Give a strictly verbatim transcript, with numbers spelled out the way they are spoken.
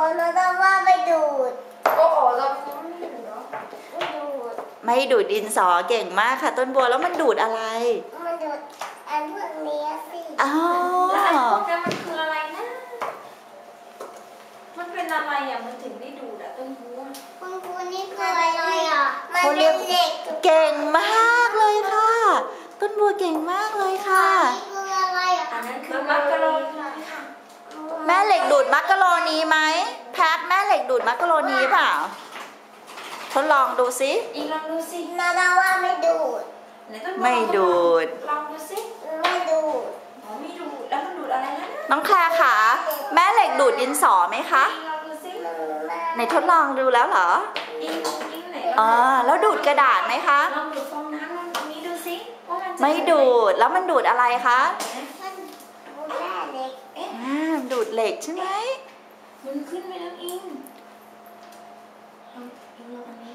เราต้องว่าไม่ดูดโอ้โหเราไม่ดูดเหรอไม่ดูดไม่ดูดดินสอเก่งมากค่ะต้นบัวแล้วมันดูดอะไรมันดูดอันพวกนี้สิอ๋อแล้วไอ้พวกนั้นมันคืออะไรนะมันเป็นอะไรอ่ะมันถึงได้ดูดอ่ะต้นบัวคุณครูนี่คืออะไรอ่ะมันเป็นเหล็กเก่งมากเลยค่ะต้นบัวเก่งมากเลยค่ะนี่คืออะไรอ่ะอันนั้นคือมักกะโรนีค่ะแม่เหล็กดูดมักกะโรนีไหมแพทแม่เหล็กดูดมักกะโรนีเปล่าทดลองดูสิอีกลองดูสินาดาว่าไม่ดูดไม่ดูดลองดูสิไม่ดูดอ๋อไม่ดูดแล้วมันดูดอะไรนะน้องแคลร์ค่ะแม่เหล็กดูดดินสอไหมคะลองดูสิไหนทดลองดูแล้วเหรออิงอิงไหนอ๋อแล้วดูดกระดาษไหมคะลองดูดฟองน้ำลองตรงนี้ดูสิว่ามันไม่ดูดแล้วมันดูดอะไรคะมันดูดเหล็กเอ๊ะดูดเหล็กใช่ไหมมันขึ้นไปแล้วอิงอิงลองอันนี้